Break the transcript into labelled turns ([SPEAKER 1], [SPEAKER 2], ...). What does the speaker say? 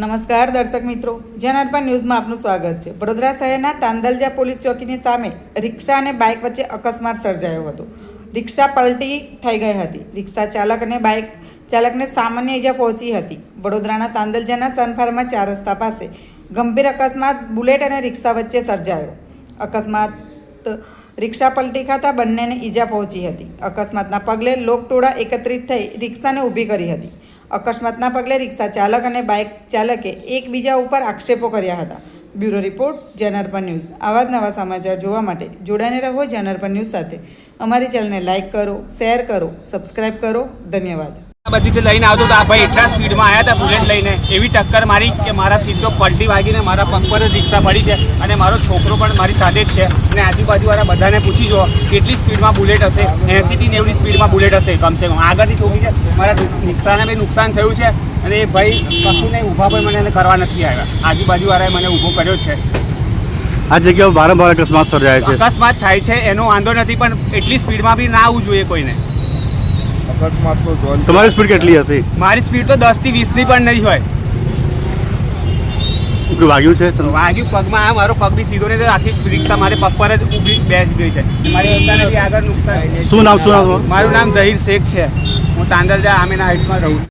[SPEAKER 1] નમસ્કાર દર્શક મિત્રો, જનાર્પણ ન્યૂઝમાં આપનું સ્વાગત છે। વડોદરા શહેરના તાંદલજા પોલીસ ચોકીની સામે રિક્ષા અને બાઇક વચ્ચે અકસ્માત સર્જાયો હતો। રિક્ષા પલટી થઈ ગઈ હતી। રિક્ષા ચાલક અને બાઇક ચાલકને સામાન્ય ઈજા પહોંચી હતી। વડોદરાના તાંદલજાના સનફાર્મા 4 રસ્તા પાસે ગંભીર અકસ્માત બુલેટ અને રિક્ષા વચ્ચે સર્જાયો। અકસ્માત રિક્ષા પલટી ખાતા બંનેને ઈજા પહોંચી હતી। અકસ્માતના પગલે લોકટોળા એકત્રિત થઈ રિક્ષાને ઊભી કરી હતી। અકસ્માતના પગલે રિક્ષા ચાલક અને બાઇક ચાલકે એકબીજા ઉપર આક્ષેપો કર્યા હતા। Bureau report, Janarpan news. આવા જ નવા સમાચાર જોવા માટે જોડાઈને રહો જનાર્પણ ન્યૂઝ સાથે। અમારી ચેનલને લાઇક કરો, શેર કરો, સબસ્ક્રાઇબ કરો। ધન્યવાદ।
[SPEAKER 2] આ બાજુથી લઈને આવતો તો આ ભાઈ એટલા સ્પીડમાં આવ્યા હતા બુલેટ લઈને, એવી ટક્કર મારી કે મારા સીધો પલટી વાગીને મારા પગ પર જ રિક્ષા પડી છે અને મારો છોકરો પણ મારી સાથે જ છે। અને આજુબાજુવાળા બધાને પૂછી જુઓ કેટલી સ્પીડમાં બુલેટ હશે। 80 થી 90ની સ્પીડમાં બુલેટ હશે કમસે કમ। આગળથી ઠોકી છે, મારા રિક્ષાને બી નુકસાન થયું છે અને એ ભાઈ કશું નહીં, ઊભા પણ મને એને કરવા નથી આવ્યા। આજુબાજુવાળાએ મને ઊભો કર્યો છે।
[SPEAKER 3] આ જગ્યાએ વારંવાર અકસ્માત સર્જાય છે।
[SPEAKER 2] અકસ્માત થાય છે એનો વાંધો નથી, પણ એટલી સ્પીડમાં બી ના આવવું જોઈએ કોઈને।
[SPEAKER 4] અકસ્માત તો
[SPEAKER 3] તમારી સ્પીડ કેટલી હતી?
[SPEAKER 2] મારી સ્પીડ તો 10 થી 20ની પણ નહીં હોય।
[SPEAKER 3] વાગ્યું છે
[SPEAKER 2] વાગ્યું પગમાં, આ મારો પગ બી સીધો નહીં, આખી રિક્ષા મારે પગ પર જ ઊભી બેસી ગઈ છે। મારી અત્યારે બી આગળ નુકસાન।
[SPEAKER 3] શું નામ?
[SPEAKER 2] મારું નામ ઝહીર શેખ છે। હું તાંદલજા આમીના હાઇટ્સમાં રહું છું।